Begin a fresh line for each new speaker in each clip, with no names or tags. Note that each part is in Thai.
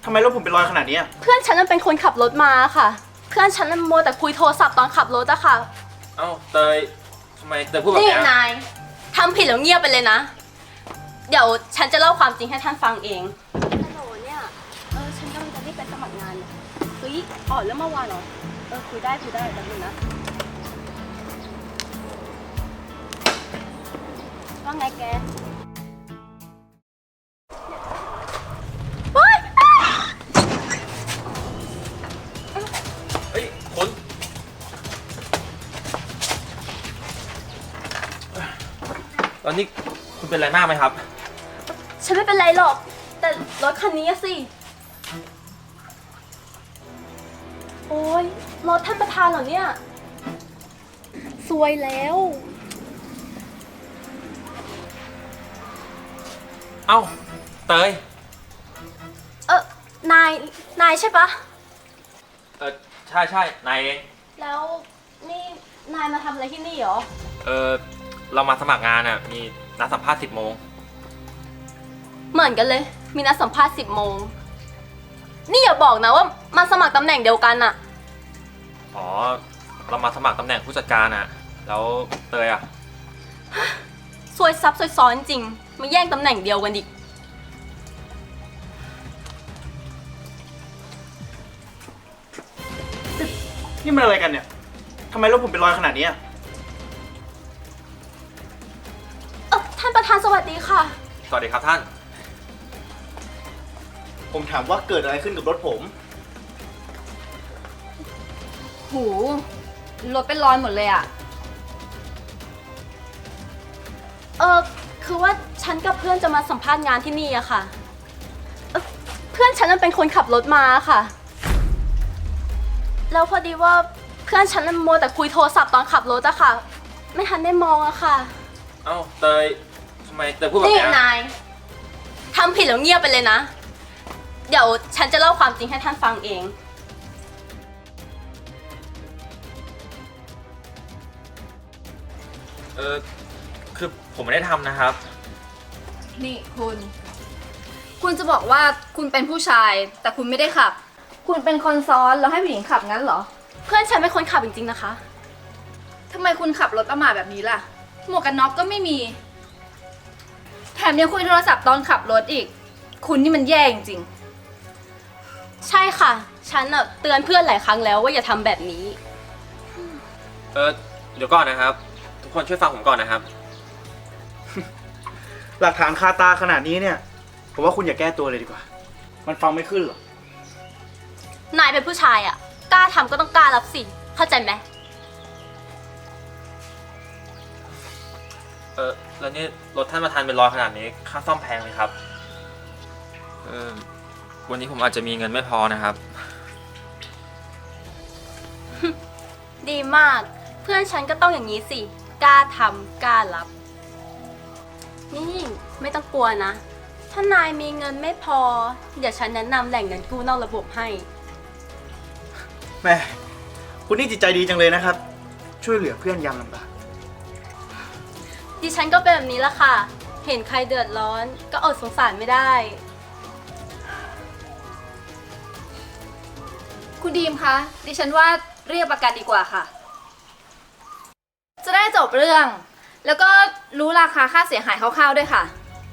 ทำไมรถผมเป็นรอยขนาดนี้
เพื่อนฉันมันเป็นคนขับรถมาค่ะ เพื่อนฉันมันมัวแต่คุยโทรศัพท์ตอนขับรถอะค่ะ
เอ้าเตยทำไมเตยพูดแบบ
นี่
เนี้ย
นายทำผิดแล้วเงียบไปเลยนะ เดี๋ยวฉันจะเล่าความจริงให้ท่านฟังเองฮัลโหลเนี่ยฉันกำลังจะรีบไปสมัครงานเนี่ยเฮ้ยอ๋อแล้วเมื่อวานเหรอคุยได้แป๊บนึงนะว่าไงแกเฮ้ย
เฮ้ยคุณตอนนี้คุณเป็นอะไรมากไหมครับ
ฉันไม่เป็นไรหรอก แต่รถคันนี้อะสิ โอ้ยรถท่านประธานเหรอเนี่ยซวยแล้ว
เอ้าเตย
นายใช่ปะ
ใช่นายเอง
แล้วนี่นายมาทำอะไรที่นี่เหรอ
เรามาสมัครงานอ่ะมีนัดสัมภาษณ์10 โมง
เหมือนกันเลย มีนัดสัมภาษณ์10 โมง นี่อย่าบอกนะว่ามาสมัครตำแหน่งเดียวกันอะ
อ๋อเรามาสมัครตำแหน่งผู้จัดการอ่ะแล้วเตยอ่ะ
ซวยซับซวยซ้อนจริง มาแย่งตำแหน่งเดียวกันดิ
นี่มันอะไรกันเนี่ยทำไมรถผมเป็นรอยขนาดนี้
ท่านประธานสวัสดีค่ะ
สวัสดีครับท่าน
ผมถามว่าเกิดอะไรขึ้นกับรถผม
หูรถเป็นรอยหมดเลยอะ
คือว่าฉันกับเพื่อนจะมาสัมภาษณ์งานที่นี่อะค่ะ เพื่อนฉันมันเป็นคนขับรถมาค่ะ แล้วพอดีว่าเพื่อนฉันมันมัวแต่คุยโทรศัพท์ตอนขับรถอะค่ะ ไม่ทันได้มองอะค่ะ
เอ้าเตยทำไมเตยพูดแบบ
นี่
เนี้ย
นายทำผิดแล้วเงียบไปเลยนะ เดี๋ยวฉันจะเล่าความจริงให้ท่านฟังเอง
คือผมไม่ได้ทำนะครับ
นี่คุณจะบอกว่าคุณเป็นผู้ชาย แต่คุณไม่ได้ขับ คุณเป็นคนซ้อนแล้วให้ผู้หญิงขับงั้นเหรอ
เพื่อนฉันเป็นคนขับจริงๆนะคะ
ทำไมคุณขับรถประมาทแบบนี้ล่ะ หมวกกันน็อกก็ไม่มี แถมยังคุยโทรศัพท์ตอนขับรถอีก คุณนี่มันแย่จริง
ใช่ค่ะ ฉันเตือนเพื่อนหลายครั้งแล้วว่าอย่าทำแบบนี้
เดี๋ยวก่อนนะครับ ทุกคนช่วยฟังผมก่อนนะครับ
หลักฐานคาตาขนาดนี้เนี่ย ผมว่าคุณอย่าแก้ตัวเลยดีกว่า มันฟังไม่ขึ้นหรอก
นายเป็นผู้ชายอะกล้าทำก็ต้องกล้ารับสิ เข้าใจไหม
แล้วนี่รถท่านประธานเป็นรอยขนาดนี้ค่าซ่อมแพงไหมครับ วันนี้ผมอาจจะมีเงินไม่พอนะครับ
ดีมาก เพื่อนฉันก็ต้องอย่างนี้สิ กล้าทำกล้ารับ นี่ไม่ต้องกลัวนะ ถ้านายมีเงินไม่พอ เดี๋ยวฉันแนะนำแหล่งเงินกู้นอกระบบให้
แม่คุณนี่จิตใจดีจังเลยนะครับ ช่วยเหลือเพื่อนยามลำบาก
ดิฉันก็เป็นแบบนี้ละค่ะ เห็นใครเดือดร้อนก็อดสงสารไม่ได้
ๆ คุณดีมคะ ดิฉันว่าเรียกประกันดีกว่าค่ะ จะได้จบเรื่อง แล้วก็รู้ราคาค่าเสียหายคร่าวๆด้วยค่ะ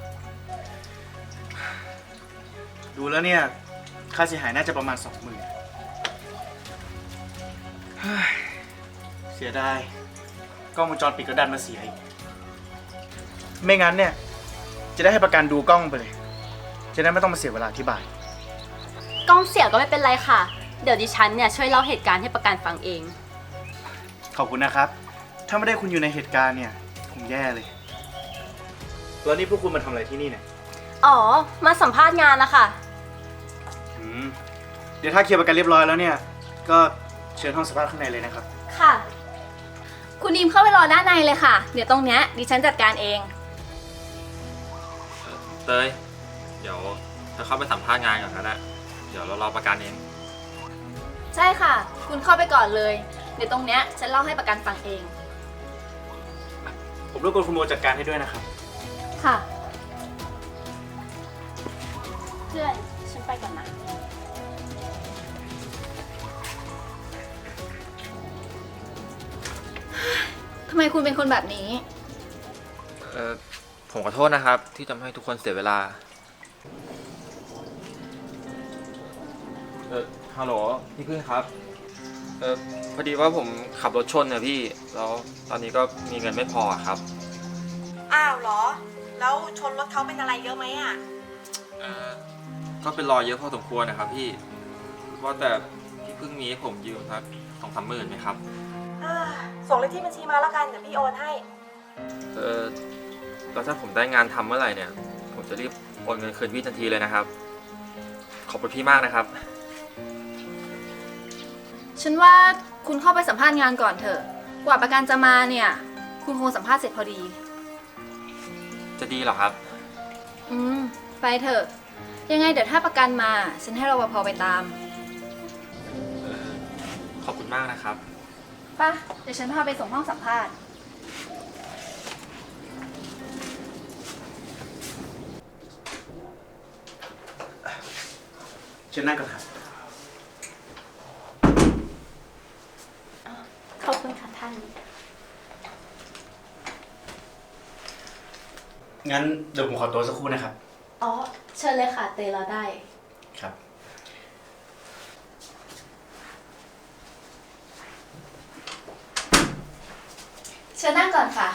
ดูแล้วเนี่ย ค่าเสียหายน่าจะประมาณ 20,000เฮ้ยเสียดายกล้องวงจรปิดก็ดันมาเสียอีก ไม่งั้นเนี่ย จะได้ให้ประกันดูกล้องไปเลย จะได้ไม่ต้องมาเสียเวลาอธิบาย
กล้องเสียก็ไม่เป็นไรค่ะ เดี๋ยวดิฉันเนี่ยช่วยเล่าเหตุการณ์ให้ประกันฟังเอง
ขอบคุณนะครับ ถ้าไม่ได้คุณอยู่ในเหตุการณ์เนี่ยคงแย่เลย แล้วนี่พวกคุณมาทำอะไรที่นี่เนี่ย
อ๋อ มาสัมภาษณ์งานนะคะ
เดี๋ยวถ้าเคลียร์ประกันเรียบร้อยแล้วเนี่ย ก็เชิญห้องสัมภาษณ์ข้างในเลยนะครับ
ค่ะ
คุณดีมเข้าไปรอด้านในเลยค่ะ เดี๋ยวตรงเนี้ยดิฉันจัดการเอง
เตย เดี๋ยวเธอเข้าไปสัมภาษณ์งานก่อนก็ได้เดี๋ยวเรารอประกันเอง
ใช่ค่ะ คุณเข้าไปก่อนเลย เดี๋ยวตรงเนี้ยฉันเล่าให้ประกันฟังเอง
ผมรบกวนคุณโมจัดการให้ด้วยนะครับ
ค่ะ
เพื่อนฉันไปก่อนนะ
ทำไมคุณเป็นคนแบบนี้
ผมขอโทษนะครับ ที่ทำให้ทุกคนเสียเวลา ฮัลโหลพี่พึ่งครับ พอดีว่าผมขับรถชนเนี่ยพี่ แล้วตอนนี้ก็มีเงินไม่พอครับ
อ้าวเหรอ แล้วชนรถเขาเป็นอะไรเยอะไหมอ่ะ
ก็เป็นรอยเยอะพอสมควรนะครับพี่ ว่าแต่พี่พึ่งมีให้ผมยืมสัก2-3 หมื่นไหมครับ
ส่งเลขที่บัญชีมาแล้วกัน เดี๋ยวพี่โอนให้
แล้วถ้าผมได้งานทำเมื่อไหร่เนี่ย ผมจะรีบโอนเงินคืนพี่ทันทีเลยนะครับ ขอบคุณพี่มากนะครับ
ฉันว่าคุณเข้าไปสัมภาษณ์งานก่อนเถอะ กว่าประกันจะมาเนี่ย คุณคงสัมภาษณ์เสร็จพอดี
จะดีเหรอครับ
ไปเถอะ ยังไงเดี๋ยวถ้าประกันมา ฉันให้รปภไปตาม
ขอบคุณมากนะครับ
ป่ะ เดี๋ยวฉันพาไปส่งห้องสัมภาษณ์
เชิญนั่งก่อนครับ
ขอบคุณค่ะท่าน
งั้นเดี๋ยวผมขอตัวสักครู่นะครับ
อ๋อ เชิญเลยค่ะ เตยเราได้
ครับ
เชิญนั่งก่อนค่ะ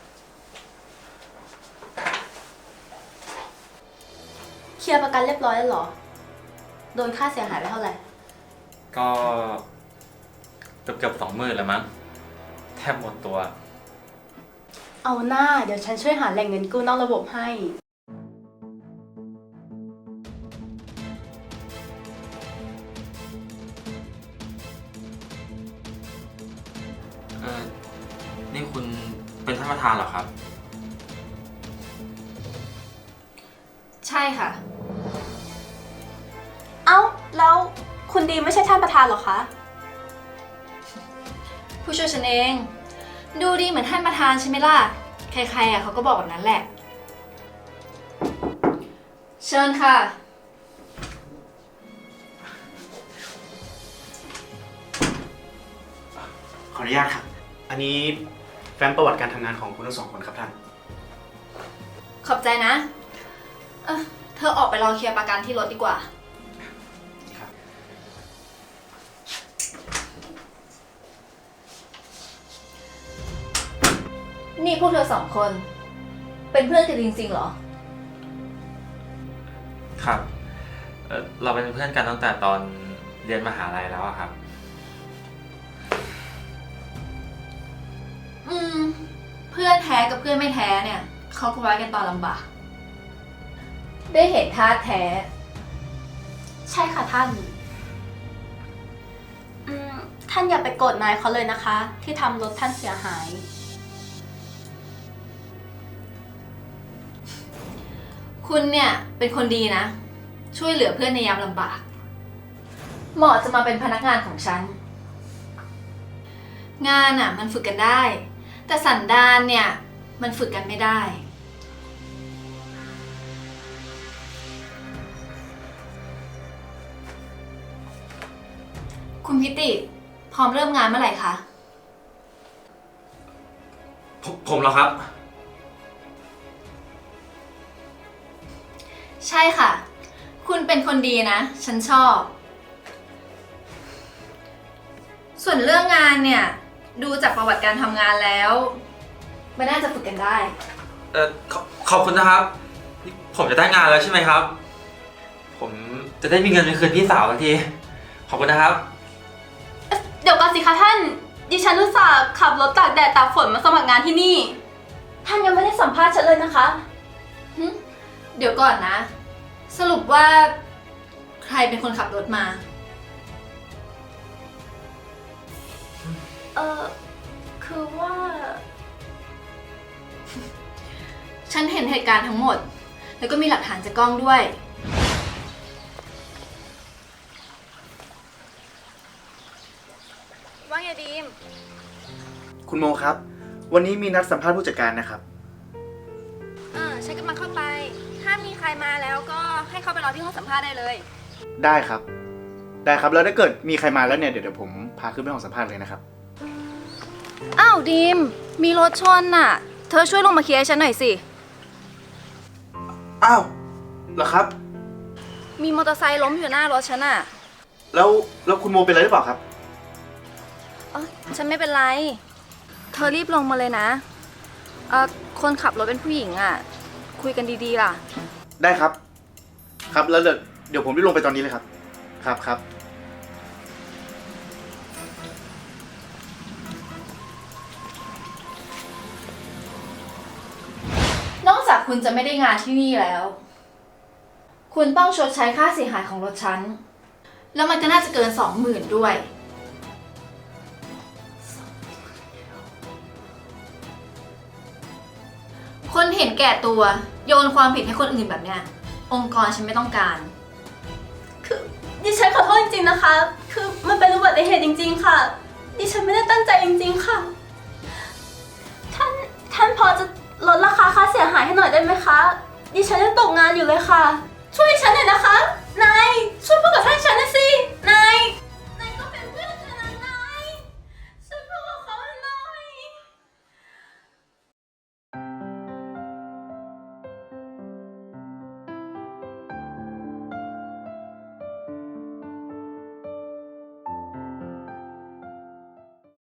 เคลียร์ประกันเรียบร้อยแล้วเหรอ โดนค่าเสียหายไปเท่าไหร่
ก็เกือบ20,000แล้วมั้ง แทบหมดตัว
เอาหน้า เดี๋ยวฉันช่วยหาแหล่งเงินกู้นอกระบบให้
นี่คุณเป็นท่านประธานเหรอครับ
ใช่ค่ะ
เอ้า แล้วคุณดีไม่ใช่ท่านประธานเหรอคะ
ผู้ช่วยฉันเอง ดูดีเหมือนท่านประธานใช่ไหมล่ะ ใครๆเขาก็บอกแบบนั้นแหละ เชิญค่ะ
ขออนุญาตครับ อันนี้แฟ้มประวัติการทำงานของคุณทั้งสองคนครับท่าน
ขอบใจนะ เธอออกไปรอเคลียร์ประกันที่รถดีกว่า
ครับ
นี่พวกเธอ2 คน เป็นเพื่อนกันจริงๆเหรอ
ครับ เราเป็นเพื่อนกันตั้งแต่ตอนเรียนมหาลัยแล้วอะครับ
เพื่อนแท้กับเพื่อนไม่แท้เนี่ย เขาก็ไว้กันตอนลำบาก ได้เห็นท่าแท้
ใช่ค่ะท่าน ท่านอย่าไปโกรธนายเขาเลยนะคะ ที่ทำรถท่านเสียหาย
คุณเนี่ยเป็นคนดีนะ ช่วยเหลือเพื่อนในยามลำบาก เหมาะจะมาเป็นพนักงานของฉัน งานอ่ะมันฝึกกันได้ แต่สันดานเนี่ยมันฝึกกันไม่ได้ คุณพิติพร้อมเริ่มงานเมื่อไหร่คะ
ผมเหรอครับ
ใช่ค่ะ คุณเป็นคนดีนะ ฉันชอบ ส่วนเรื่องงานเนี่ย ดูจากประวัติการทำงานแล้วมันน่าจะฝึกกันได้
ขอบคุณนะครับ ผมจะได้งานแล้วใช่ไหมครับ ผมจะได้มีเงินไปคืนพี่สาวทันที ขอบคุณนะครับ
เดี๋ยวก่อนสิคะท่าน ดิฉันอุตส่าห์ขับรถตากแดดตากฝนมาสมัครงานที่นี่ ท่านยังไม่ได้สัมภาษณ์ฉันเลยนะคะ
เดี๋ยวก่อนนะ สรุปว่าใครเป็นคนขับรถมา
คือว่า
ฉันเห็นเหตุการณ์ทั้งหมด แล้วก็มีหลักฐานจากกล้องด้วย ว่าไงดีม
คุณโมครับ วันนี้มีนัดสัมภาษณ์ผู้จัดการนะครับ
ฉันกำลังเข้าไป ถ้ามีใครมาแล้วก็ให้ให้เขาไปรอที่ห้องสัมภาษณ์ได้เลย
ได้ครับ ได้ครับ แล้วถ้าเกิดมีใครมาแล้วเนี่ย เดี๋ยวผมพาขึ้นไปห้องสัมภาษณ์เลยนะครับ
อ้าวดีม มีรถชนน่ะ เธอช่วยลงมาเคลียร์ให้ฉันหน่อยสิ
อ้าวเหรอครับ
มีมอเตอร์ไซค์ล้มอยู่หน้ารถฉันน่ะ
แล้วคุณโมเป็นอะไรหรือเปล่าครับ
ฉันไม่เป็นไร เธอรีบลงมาเลยนะคนขับรถเป็นผู้หญิงอ่ะ คุยกันดีๆล่ะ
ได้ครับ ครับ แล้วเดี๋ยวผมรีบลงไปตอนนี้เลยครับ ครับครับ
นอกจากคุณจะไม่ได้งานที่นี่แล้ว คุณต้องชดใช้ค่าเสียหายของรถฉัน แล้วมันก็น่าจะเกิน 20,000 ด้วย คนเห็นแก่ตัวโยนความผิดให้คนอื่นแบบเนี้ย องค์กรฉันไม่ต้องการ
คือดิฉันขอโทษจริงๆนะคะ คือมันเป็นอุบัติเหตุจริง ๆ ค่ะ ดิฉันไม่ได้ตั้งใจจริง ๆ ค่ะ ท่านพอจะลดราคาค่าเสียหายให้หน่อยได้ไหมคะ ดิฉันยังตกงานอยู่เลยค่ะ ช่วยฉันหน่อยนะคะ นายช่วยพูดกับท่านฉันหน่อยสิ